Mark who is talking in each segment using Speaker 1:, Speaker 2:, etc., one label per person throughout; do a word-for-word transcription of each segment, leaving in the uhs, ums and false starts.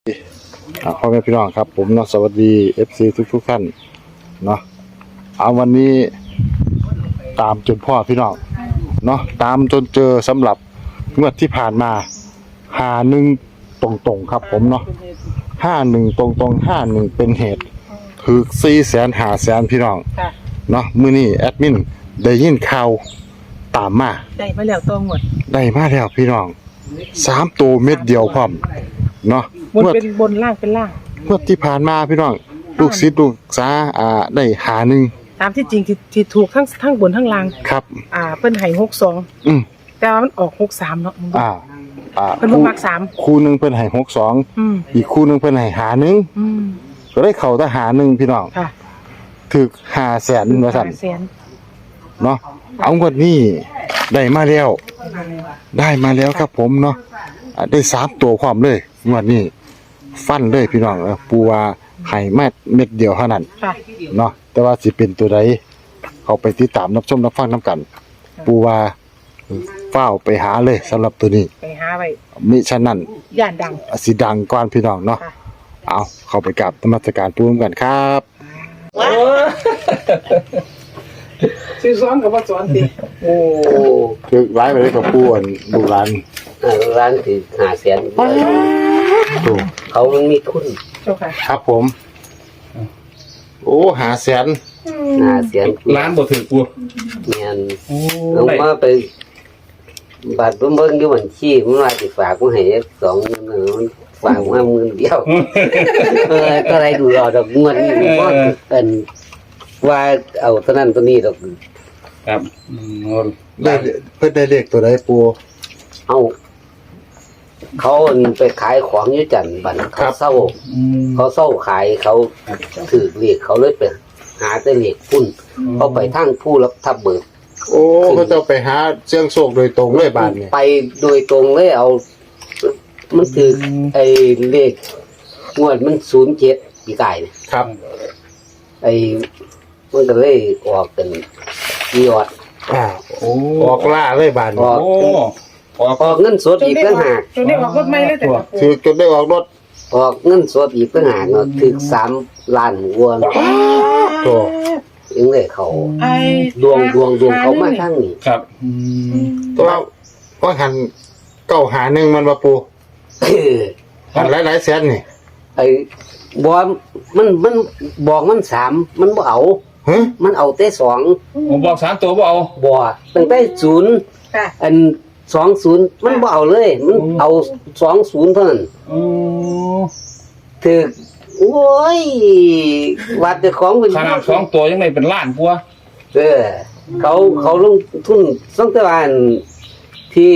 Speaker 1: พ่อแม่พี่น้องครับผมเนาะสวัสดี เอฟ ซี ทุกทุกท่านเนาะเอาวันนี้ตามจนพ่อพี่น้องเนาะตามจนเจอสำหรับงวดที่ผ่านมาหาหนึ่งตรงๆครับผมเนาะห้าหนึ่งตรงๆห้าหนึ่งเป็นเหตุคือสี่แสนหาแสนพี่น้องเนาะมื้อนี้แอดมินได้ยินข่าวตามมา
Speaker 2: ได้มาแล้วตัวหมด
Speaker 1: ได้มาแล้วพี่น้องสามตัวเม็ดเดียวพร้อมเนาะ
Speaker 2: บนเป็นบนล่างเป็นล่าง
Speaker 1: เมื่อที่ผ่านมาพี่น้องลูกศิษย์ลูกษาอ่าได้หาหนึ่ง
Speaker 2: ตามที่จริงที่ที่ถูกทั้งทั้งบนทั้งล่าง
Speaker 1: ครับ
Speaker 2: อ่าเพิ่นให้หกสอง
Speaker 1: อืม
Speaker 2: แต่ว่ามันออกหกสามเนาะ
Speaker 1: อ่าอ่า
Speaker 2: เพิ่นบ่มักสาม
Speaker 1: คู่นึงเพิ่นให้หกสอง
Speaker 2: อืม
Speaker 1: อีกคู่นึงเพิ่นให้หาหนึ่ง
Speaker 2: อืม
Speaker 1: ก็ได้เข้าทหารหนึ่งพี่น้อง
Speaker 2: ค่ะ
Speaker 1: ถึกห้าแสนว่าซั่น
Speaker 2: ห้าแสน
Speaker 1: เนาะเอางวดนี้ได้มาแล้วได้มาแล้วครับผมเนาะได้สามตัวพร้อมเลยงวดนี้ฟันเลยพี่น้องปูว่าให้มาเม็ดเดียวเท่านั้นเนาะแต่ว่าสิเป็นตัวใดเขาไปติดตามรับชมรับฟังนํกันปูว่าเฝ้าไปหาเลยสำหรับตัวนี้
Speaker 2: ไปหาไว้
Speaker 1: มิฉะนั้น
Speaker 2: ย่านดัง
Speaker 1: สิดังก่อนพี่น้องเนาะเอาเข้าไปกราบนมัสการปูกันครับ
Speaker 2: ซื้อซ้อนกับว่าซ้อนติ
Speaker 1: โอ้คือไล่ไปเลยกับปูอันดูร้าน
Speaker 3: ร้านที่หาแสนเขามันมีทุน
Speaker 1: ครับผมโอ้หาแสน
Speaker 3: หาแสน
Speaker 4: ร้านบ่ถือปู
Speaker 3: เนียนลงมาไปบาทเบิ่งอยู่บัญชีมันว่าสิฝากมาให้สองหมื่นมันฝากมาหมื่นเดียวเออก็ได้ดูรอดอกเงินบ่เอิ้นว่าเอาเท่านั้นตัวนี้ดอก
Speaker 4: ครับ
Speaker 1: ได้เพิ่นได้เลขตัวใดปู
Speaker 3: เอาเขาไปขายของอยู่จันทร์บัดเขาเศร้าเขาเศร้าขายเขาถือเลขเขาเลยไปหาแต่เลขพุ่นเขาไปทางผู้รับทับเบิก
Speaker 1: โอ้เขาจะไปหาเสียงโชคโดยตรงเลยบาดนี้
Speaker 3: ไปโดยตรงเลยเอามันถือไอ้เลขงวดมันศูนย์เจ็ดปีกาย
Speaker 1: ครับ
Speaker 3: ไอ้มันก็เลยออกเป็นยอด
Speaker 1: อ่าโอ้ออกล่าเลยบาดนี้
Speaker 3: โอ้ออกเงินสดอีกต่างหาก
Speaker 2: จนได้ออกรถใหม่เลยแต่
Speaker 1: คือจนได้ออกรถ
Speaker 3: ออกเงินสดอีกต่างหากเนาะถึงสามล้านวัวเนาะ
Speaker 1: ตัว
Speaker 3: ยังเลยเขาดวงดวงดวงเขามาทั้งนี้
Speaker 4: ครับ
Speaker 1: ตัวว่าหันเก้าหาหนึ่งมันมาปูหันหลายหลายแสนนี่
Speaker 3: ไอ้บอมันมันบอกมันสามมันบ่เอามันเอาแต่สอง
Speaker 4: ผมบอกสามตัวบ่เอา
Speaker 3: บ่ตั้งแต่ศูนย์อันสองศูนย์มันบ่เอาเลยมันเอาสองศูนย์เท่านั้นถือโอ้ยวัดแต่ของเป็น
Speaker 4: ขนาดสองตัวยังไม่เป็นล้านปัว
Speaker 3: เออเขาเขาลงทุนสองตะวันที่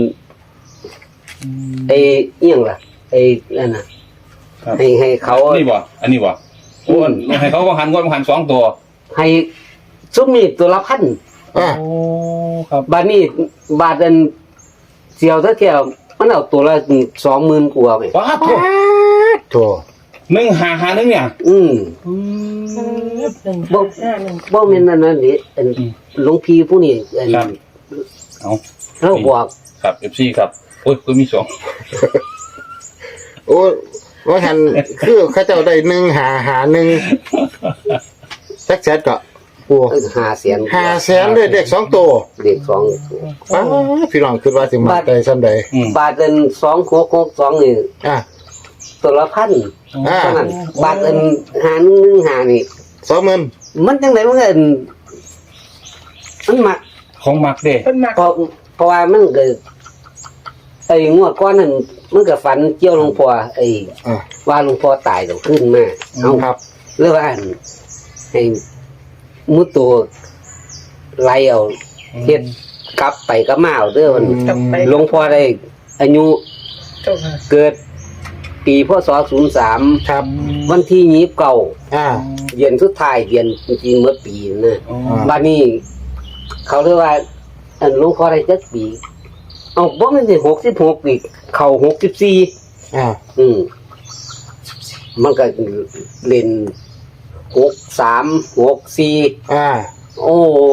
Speaker 3: ไอ้เอียงล่ะไอ้นั่นน่ะให้ให้เขา
Speaker 4: นี่บ่อันนี้บ่โอ้ให้เขาก็หันงวดหันสองตัว
Speaker 3: ให้ซุมนี่ตัวละพัน
Speaker 1: อ่า
Speaker 4: โอ้ครับ
Speaker 3: บาทนี้บาทอันเสียวเท่าเที่ยวมันเอาตัวละสองหมื่นกว่าไป
Speaker 4: ว้าโถ
Speaker 1: โถ
Speaker 4: หนึ่งหาหาหนึ่งเนี่ย
Speaker 3: อืมบ่บ่แม่นนั่นนั่นนี่อันหลวงพี่ผู้นี้อัน
Speaker 4: เอา
Speaker 3: เราบอก
Speaker 4: ครับ เอฟ ซี ครับโอ้ยก็มีสอง
Speaker 1: โอ้ว่าหันคือเขาเจ้าได้หนึ่งหาหาหนึ่งจักแสนก็ปู
Speaker 3: ห้าแสน
Speaker 1: ห้าแสนเลยเด็กสองตัว
Speaker 3: เด็กสอง
Speaker 1: ป้าพี่น้องคิดว่าสิมาได้ซ้ำใด
Speaker 3: บาทเป็นสองหกหกสองนี่
Speaker 1: อ่ะ
Speaker 3: ตัวละพัน
Speaker 1: อ่า
Speaker 3: บาทเป็นหาหนึ่งหนึ่งหานี่
Speaker 1: สองหมื่น
Speaker 3: มันจังไดมันก็มันมัก
Speaker 4: ของมักเด้
Speaker 3: เพราะเพราะว่ามันเกิดไอ้งวดก้อนนั้นมันก็ฝันเกี่ยวหลวงพ่อไอ้ว่าหลวงพ่อตายต้องขึ้นมาเอา
Speaker 1: ครับ
Speaker 3: เรื่องว่าให้มุดตัวไล่เอาเฮ็ดกลับไปก็มาเอาเด้อมันหลวงพ่อได้อายุเกิดปีพศศูนย์สาม
Speaker 1: ครับ
Speaker 3: วันที่ยี่สิบเก้า
Speaker 1: อ่า
Speaker 3: เดือนสุดท้ายเดือนจริงๆเมื่อปีนะบัดนี้เขาเรียกว่าอันหลวงพ่อได้จักปีเอาบ่แม่นสิหกสิบหกอีกเข้าหกสิบสี่
Speaker 1: อ่า
Speaker 3: อืมมันก็เล่นหกสามหกสี่
Speaker 1: อ่า
Speaker 3: โอ้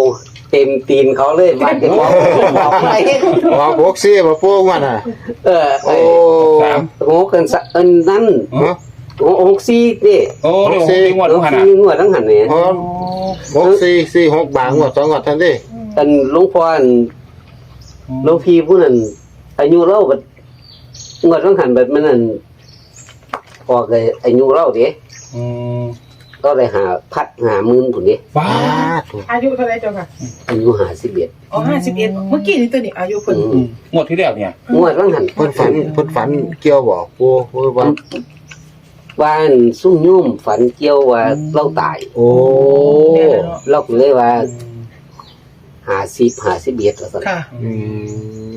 Speaker 3: เต็มตีนเขาเลยบ้านเจ้าของบอกอะไร
Speaker 1: ออกหกสี่บ่ปูว่าน่ะ
Speaker 3: เออ
Speaker 1: โอ้
Speaker 4: สาม
Speaker 3: โหกันสะเอินนั่น
Speaker 1: ฮะ
Speaker 3: โอ้หกสี่นี่
Speaker 4: โอ้เดี๋ยว
Speaker 1: หกสี่
Speaker 4: งวด
Speaker 3: ห
Speaker 4: ลู
Speaker 3: ก
Speaker 4: กหันอ่ะ
Speaker 3: สี่งวดทั้งหันเนี่ย
Speaker 1: พร้อมหกสี่สี่หกบางงวดสองงวดทันที
Speaker 3: อันหลวงพ่ออันหลวงพี่ผู้นั้นอายุเล่าบัดงวดทั้งหันแบบมันนั่นพอเลยอายุเล่าเด้
Speaker 4: อืม
Speaker 3: ก็เลยหาพัดหาหมื่นผุนนี้
Speaker 4: ฟ้า
Speaker 1: อ้าถูก
Speaker 2: อายุเท่าไรเจ้าค่ะ
Speaker 3: อายุหาสิบเอ็ด
Speaker 2: อ๋อห้าสิบเอ็ดเมื่อกี้นี่ตัวนี้อายุเพิ่น
Speaker 4: งวดที่แล้วเนี่ย
Speaker 3: งวดทั้งหัน
Speaker 1: เพิ่นฝันเพิ่นฝันเกี่ยวบ่ปูปูว่า
Speaker 3: ว่าอันซุ่มยุ่มฝันเกี่ยวว่าเล่าตาย
Speaker 1: โอ้
Speaker 3: เราก็เลยว่าหาสิบหาสิบเอ็ดว่าซั่น
Speaker 2: ค่ะ
Speaker 1: อืม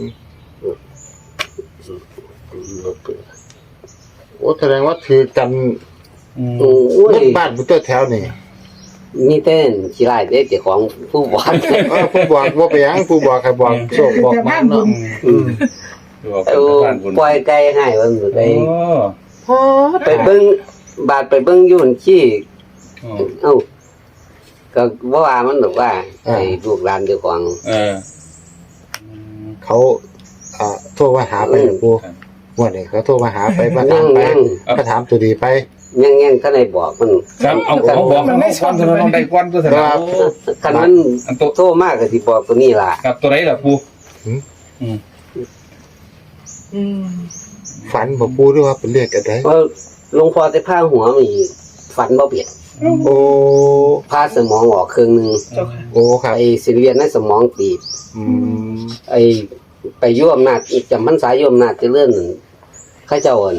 Speaker 1: โอ้แสดงว่าถือกัน
Speaker 4: อืม
Speaker 3: โอ้
Speaker 1: เบิ
Speaker 3: ย
Speaker 1: ดบ้านเบิดตัวแถวนี่
Speaker 3: มีแต่ขี้ไล่เด้เจ้าของผู้บอก
Speaker 1: เออผู้บอกว่าไปหยังผู้บอกใครบอกโชคบอกมาเนาะ
Speaker 3: อืม
Speaker 4: ดูว่า
Speaker 3: เอา
Speaker 4: เป็นบ้านบุญ
Speaker 3: ปล่อยไก่ให้ว่าอยู่ได
Speaker 4: โอ้
Speaker 3: ไปเบิ่งบาดไปเบิ่งอยู่หั่นขี้
Speaker 4: อืม
Speaker 3: เอ้าก็บ่ว่ามันดอกว่าไอ้ลูกหลานเจ้าของ
Speaker 4: เออ
Speaker 1: เขาอ่าโทรมาหาไปหลวงปู่วันนี้เขาโทรมาหาไปมา
Speaker 3: ยั
Speaker 1: ถาม
Speaker 3: ง
Speaker 1: ไป
Speaker 3: ยัง
Speaker 1: ก็ถามตัวดีไป
Speaker 3: ยังยังก็ได้บอกมัน
Speaker 4: ครับเอาเอาบอกมันได้ก้อนเถอะน้องได้ก้อนตัวเถอะ
Speaker 1: ครั
Speaker 4: นะ
Speaker 1: บ
Speaker 4: โอ้
Speaker 3: คันมัน
Speaker 4: อันตัว
Speaker 3: โทรมากก็สิบอกตัวนี้ล่ะ
Speaker 4: กับตัวไหนล่ะปู
Speaker 1: หืม
Speaker 4: อืม
Speaker 2: อืม
Speaker 1: ฝันบอกปู่ด้วยว่าเป็นเลขอะไร
Speaker 3: เพราะหลวงพ่อได้พาหัวมีฝันบ่เปลี่ยน
Speaker 1: โอ้
Speaker 3: พาสมองออกครึ่งหนึง
Speaker 2: เจ้าค่ะ
Speaker 1: โอ้ครับ
Speaker 3: ไอ้สิเรียนในสมองตีบ
Speaker 1: อืม
Speaker 3: ไอ้ไปย่อมนาจจำพรรษาย่อมนาจเจะเลื่อนนั่นเขาเจ้าอั่น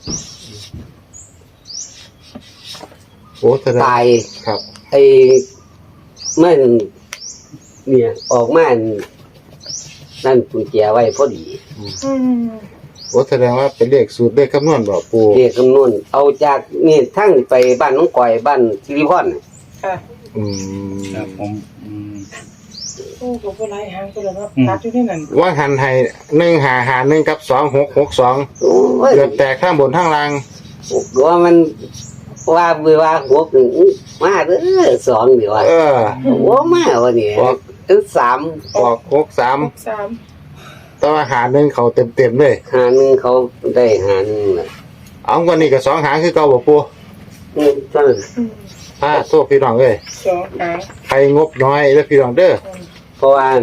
Speaker 1: โอ้แสดง
Speaker 3: ตาย
Speaker 1: ครับ
Speaker 3: ไอ้มันเนี่ย ออกมานั่นกุญแจไว้พอดี
Speaker 2: อืม
Speaker 1: โอ้แสดงว่าเป็นเลขสูตรเลขคำนวณบอกปู่
Speaker 3: เรียกคำนวณเอาจากนี่ทั้งไปบ้านน้องก่อยบ้านสิริพรน่ะ
Speaker 2: ค่ะ
Speaker 1: อื
Speaker 4: ครับ
Speaker 1: ม
Speaker 4: ผมอืม
Speaker 2: โอ้ก็บ่หลายหางก็แล้วเนาะ
Speaker 4: อืม
Speaker 2: ตัดอยู่ในนั้น
Speaker 1: ว่าหันให้หนึ่งหาหาหนึ่งกับสองหกหกสอง
Speaker 3: โอ้ย
Speaker 1: เดือดแตกข้างบนข้างล่าง
Speaker 3: ว่ามันว่าเวว่าหัวกึ่งมาเด้อสองเดี๋ยวว่า
Speaker 1: เออ
Speaker 3: หัวมาวันนี้
Speaker 1: บอก
Speaker 3: ถึงสาม
Speaker 1: ออกหกสาม
Speaker 2: หกสาม
Speaker 1: แต่ว่าหาหนึ่งเขาเต็มเต็มๆเลย
Speaker 3: หาหนึ่งเขาได้หาหนึ่งน่ะ
Speaker 1: เอาวันนี้กับสองหางคือเก่าบอกปู่
Speaker 3: นี่เท่านั้น
Speaker 2: อืม
Speaker 1: อ่าโทษพี่น้องเลย
Speaker 2: สองหาง
Speaker 1: ใครงบน้อยแล้วพี่น้องเด้อ
Speaker 3: เพราะว่า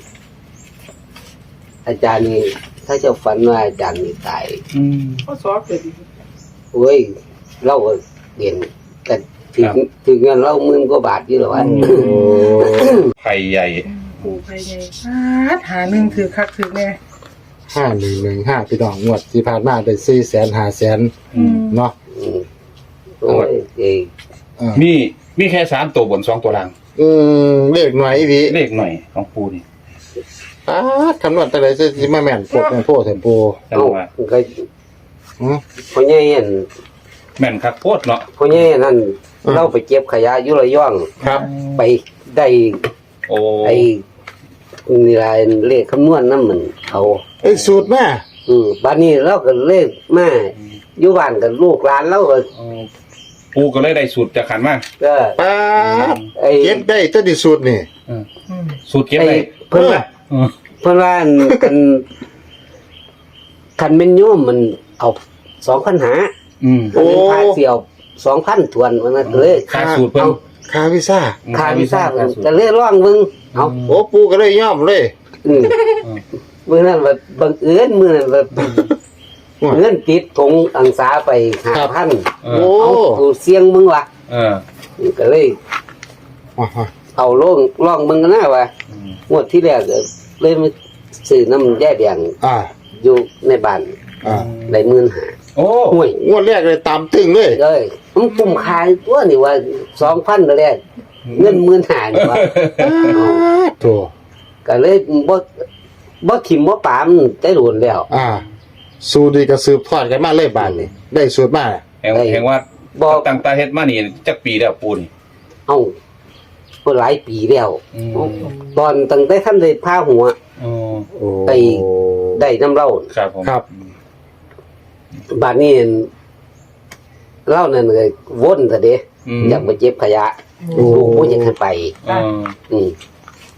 Speaker 3: อาจารย์นี่ถ้าเจะฝันว่าอาจารย์นี่ตาย
Speaker 4: อืม
Speaker 2: ข้อสอบเกิดอีก
Speaker 3: เว้ยเราก็เรียนกันถึง
Speaker 4: ครับ
Speaker 3: ถึงเงินเราหมื่นกว่าบาทอยู่หรอวะ
Speaker 4: ไข่ใหญ่
Speaker 2: ปูไปไงปาดหาหนึ่งถือคักถือแน่
Speaker 1: ห้าหนึ่งหนึ่งห้าพี่น้องงวดที่ผ่านมาได้สี่แสนห้าแสน
Speaker 2: อืม
Speaker 1: เนาะ
Speaker 3: อืมโอ้ยเอ้ย
Speaker 1: อ่า
Speaker 4: มีมีแค่สามตัวบนสองตัวล่าง
Speaker 1: อืมเลขหน่อยอีพี
Speaker 4: เลขหน่อยของปูนี่
Speaker 1: อ่าคำนวณแต่ไรจะสิมาแม่นพวกแม่นโพดแทนปู
Speaker 4: จัง
Speaker 3: เอ้า
Speaker 4: ว่า
Speaker 3: ก็
Speaker 1: อืม
Speaker 3: พ่อใหญ่อัน
Speaker 4: แม่นครับโคตรเนาะ
Speaker 3: พ่อใหญ่นั่น
Speaker 1: อืม
Speaker 3: เราไปเก็บขยะอยุระย่อง
Speaker 1: ครับ
Speaker 3: ไปได้
Speaker 4: โอ้
Speaker 3: ไอ้นี่ลายเลขคำนวณนั่นมันเขา
Speaker 1: เอ้ยสูตรมา
Speaker 3: อืมบ้านนี้เราก็เลขมาอยู่บ้านกับลูกหลานเราก็
Speaker 4: เออปูก็เลยได้สูตรจากขันมา
Speaker 3: ก็
Speaker 1: ป้าบ
Speaker 3: ไอ้
Speaker 1: เก็บได้ตัวดีสูตรนี่
Speaker 2: อืม
Speaker 4: สูตรเก็บ
Speaker 3: ไอ้
Speaker 4: ได้
Speaker 3: เพิ่นว่า
Speaker 4: เออ
Speaker 3: เพิ่นว่าอันกันคันเป็นโยมมันเอาสองพันหา
Speaker 4: อืม
Speaker 3: คันเป็นพระเสี่ยวสองพันทวนวันนั้นเลย
Speaker 4: ค่าสูตรเพิ่น
Speaker 1: ค่าวีซ่า
Speaker 3: คาวิซ่าเพิ่นก็เลยร้องมึงเอา
Speaker 1: โอ้ปูก็เลยย่อมเลย
Speaker 3: อืมมื้อนั้นแบบบังเอิญมื้อนั้นแบบเงินติดถงอังสาไปห้าพัน
Speaker 4: เอ
Speaker 1: โอ้
Speaker 4: อ
Speaker 3: เอากูเสียงมึงว่ะ
Speaker 4: เออ
Speaker 3: ก็เลย
Speaker 1: อ่าฮะ
Speaker 3: เอาลงร้องมึงกันนะว่ะ
Speaker 4: อืม
Speaker 3: งวดที่แรกก็เลยมาซื้อน้ำแย่แดง
Speaker 1: อ่า
Speaker 3: อยู่ในบ้าน
Speaker 1: อ่า
Speaker 3: ได้หมื่นหา
Speaker 4: โอ้
Speaker 3: ห่วย
Speaker 1: งวดแรกเลยตามตึงเลย
Speaker 3: เลยมันคุ้มค่าตัวนี่ว่าสองพันแรกเงินหมื่นหานี่ว่า
Speaker 1: อ่าโถ
Speaker 3: ก็เลยบ่บ่ถิ่มบ่ปามได้โดนแล้ว
Speaker 1: อ่า สูตรดีก็สืบทอดกันมาเลยบานนี่ได้สูตรมา
Speaker 4: แห่งแห่งว่า
Speaker 3: บ่
Speaker 4: ตั้งตาเฮ็ดมานี่จักปีแล้วปูนี่
Speaker 3: เอ้าก็หลายปีแล้ว
Speaker 4: อืม
Speaker 3: ตอนตั้งแต่ท่านได้พาหัว
Speaker 4: อ๋อ
Speaker 1: โอ้
Speaker 3: ไป ได้น้ำเหล้า
Speaker 4: ครับผม
Speaker 1: ครับ
Speaker 3: บาดนี้เหล้านั่นก็วนซะเด้
Speaker 4: อืม
Speaker 3: อยากไปเก็บขยะ
Speaker 1: โอ้
Speaker 3: ลูกบ่อยากให้ไป
Speaker 4: เออ
Speaker 3: อืม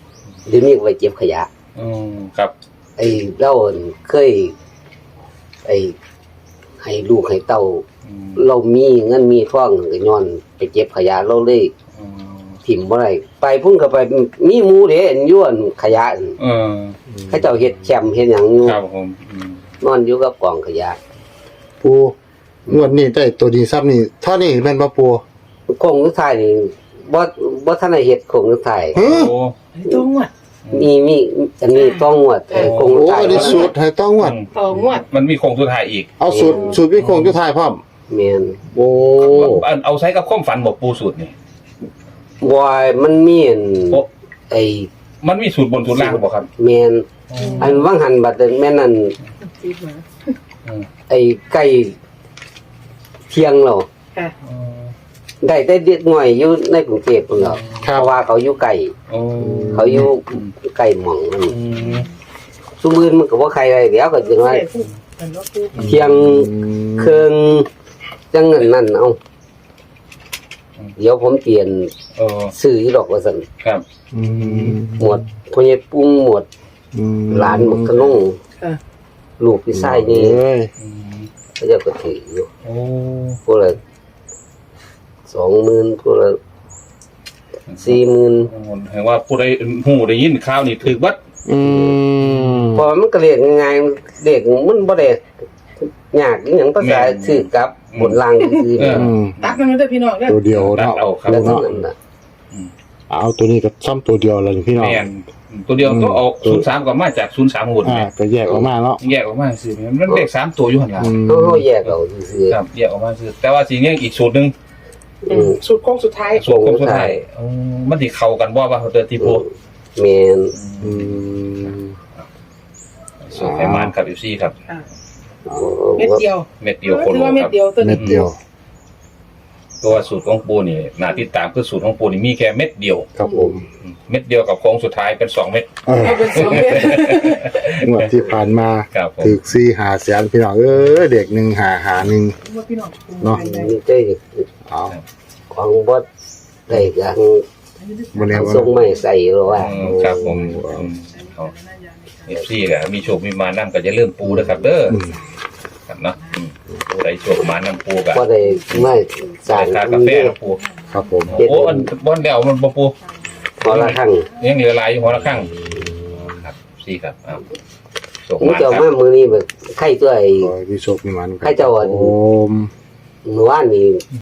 Speaker 3: เดี๋ยวนี้ก็ไปเก็บขยะ
Speaker 4: อืมครับ
Speaker 3: ไอ้เราเคยไอ้ให้ลูกให้เต้า
Speaker 4: อืม
Speaker 3: เรามีเงินมีทองก็ย้อนไปเก็บขยะเราเลย
Speaker 4: อืม
Speaker 3: ถิ่มบ่ได้ไปพุ่นก็ไปมีหมู่เด้อันอยู่อันขยะอัน
Speaker 4: เออ
Speaker 3: เขาเจ้าเฮ็ดแคมป์เฮ็ดหยังอยู่
Speaker 4: ครับผมอืม
Speaker 3: นอนอยู่กับกองขยะ
Speaker 1: ปูงวดนี้ได้ตัวดีซ้ำนี่เท่านี้แม่นบ่ปู
Speaker 3: คงสุดท้ายนี่บ่บ่ทันได้เฮ็ดคงสุดท้าย
Speaker 1: ฮะ
Speaker 4: โอ้
Speaker 2: ตัวงวด
Speaker 3: มีมีอันนี้ต้องงวดเอ่อคงสุ
Speaker 1: โอ้
Speaker 3: ดท้าย
Speaker 1: อันนี้สูตรให้ต้องงวด
Speaker 2: ต่องวด
Speaker 4: มันมีโครงสุดท้ายอีก
Speaker 1: เอาสูตรสูตรวิโคงจุทายพร้อม
Speaker 3: แม่น
Speaker 1: โอ้
Speaker 4: อันเอาใช้กับความฝันบอกปูสูตรนี่
Speaker 3: วายมันมีอัน
Speaker 4: โอ้
Speaker 3: ไอ้
Speaker 4: มันมีสูตรบนสูตรล่างบอกครับ
Speaker 3: แม่นอันว่างหันบัดนั้นแม่นนั่น
Speaker 2: จีบมา
Speaker 4: อืม
Speaker 3: ไอ้ไก่เที่ยงเรา
Speaker 2: ค่ะ
Speaker 4: อืม
Speaker 3: ได้แต่เด็กน้อยอยู่ในกรุงเทพพุ่นแล้ว
Speaker 1: ครั
Speaker 3: เพ
Speaker 1: บ
Speaker 3: ราะว่าเขาอยู่ไกล
Speaker 4: โอ้
Speaker 3: เขาอยู่ไกลหม่องนั่น
Speaker 4: อืม
Speaker 3: ซุมื้อมันก็บ่ใครได้เดี๋ยวก็จังว่า
Speaker 2: ใส่ผู้เป็นรถตู้
Speaker 3: เที่ยงเครื่องจังนั้นนั่นเอาเดี๋ยวผมเปลี่ยน
Speaker 4: เออ
Speaker 3: ซื้ออยู่ดอกว่าซั่น
Speaker 4: ครับ
Speaker 1: อืม
Speaker 3: หมวดพ่อใหญ่ปุ้งหมวด
Speaker 1: อืม
Speaker 3: หลานบักกะนง
Speaker 2: ค่ะ
Speaker 3: ลูกพี่ชายนี่
Speaker 1: เอ้ย
Speaker 4: อืม
Speaker 3: เขาเจะก็ถืออยู่
Speaker 4: โอ้
Speaker 3: พวกละสองหมื่นพวกละสี่หมื่น
Speaker 4: เห็นว่าผู้ใดหูได้ยินข่าวนี่ถือวัด
Speaker 1: อืม
Speaker 3: เพอมันก็เรียกง่ายๆเรียกมันบ่ได้ยากอหยังภาษาชื่อกับบนล่างคือ
Speaker 4: เออ
Speaker 1: อืม
Speaker 2: ตักมันไม่ได้พี่น้องเนี่ย
Speaker 1: ตัวเดียว
Speaker 4: ตัด
Speaker 1: เนาะ
Speaker 4: เอาครับ
Speaker 3: แล้วเท่านั้นน่ะ
Speaker 1: เอาตัวนี้กับซ้ำตัวเดียวเลยพี่น้อง
Speaker 4: แม่นตัวเดียวก็ออกศูนย์สามก็มาจากศูนย์สามหุ่น
Speaker 1: อ่าก็แยกออกมาเนาะ
Speaker 4: แยกออกมาสิมันเลขสามตัวอยู่หันหลัง
Speaker 1: อืม
Speaker 3: เฮาเฮาแยกเอาซื่อ
Speaker 4: ครับแยกออกมาคือแต่ว่าสีนี้อีกสูตรหนึง
Speaker 3: ๆอืม
Speaker 2: สุดโค้งสุดท้าย
Speaker 4: สูตรคมสุดท้ายอ๋อมันสิเข้ากันบ่ว่าเขาเดินที่โพ
Speaker 3: แม่น
Speaker 1: อืม
Speaker 4: สูตรไขมันครับ เอฟ ซี ครับ
Speaker 2: ค่ะ
Speaker 3: โอ้
Speaker 2: เม็ดเดียว
Speaker 4: เม็ดเดียวโค
Speaker 2: ถื
Speaker 4: โล
Speaker 2: อว่าเม็
Speaker 4: ค
Speaker 2: ด
Speaker 4: รับ
Speaker 2: เดียวตัว
Speaker 1: เม็
Speaker 2: นี้
Speaker 1: ดเดียว
Speaker 4: ตัวสูตรของปูนี่น่าติดตามคือสูตรของปูนี่มีแค่เม็ดเดียว
Speaker 1: ครับผม
Speaker 4: เม็ดเดียวกับโค้งสุดท้ายเป็นสองเม็ด
Speaker 1: เออ
Speaker 2: เอาเป็นสองเม็ด
Speaker 1: งวดที่ผ่านมา
Speaker 4: ครับผม
Speaker 1: ถึกสี่หาแสนพี่น้องเอ้ยเด็กหนึ่งหาหาหนึ่ง
Speaker 2: ว่าพี่น้อง
Speaker 1: เนาะ
Speaker 3: มีใจ
Speaker 1: เอา
Speaker 3: ของบ่ได้ยัง
Speaker 1: วันนี้
Speaker 3: ส่งไม่ใส่หรอกว่า
Speaker 4: อืมครับผมอืมเอา เอฟซีก็มีโชคมีมานั่ก็จะเริ่าลืมปูนะครับเด้อ
Speaker 1: อืม
Speaker 4: ครับเนาะอืมปูได้โชคมานั่ปูกับ
Speaker 3: บ่ได้ไม่สร้า
Speaker 4: ใส่
Speaker 3: ง
Speaker 4: คากาแฟนะปู
Speaker 1: ครับผม
Speaker 4: โอ้อันบอนเดวมันบ่ปู
Speaker 3: พอละครั้ง
Speaker 4: ยังเหลือหลายอยู่หัวละข้างครับสี่ครับอ้าวโชค
Speaker 3: มึง
Speaker 4: มา
Speaker 3: เจ้า
Speaker 4: ครับ
Speaker 3: มามื้อนี้แบบไข่ตัวไอ้
Speaker 1: ขอให้พี่โชคมีมัน
Speaker 3: ใครจะว่า
Speaker 1: โอม
Speaker 3: เมื่อวานนี้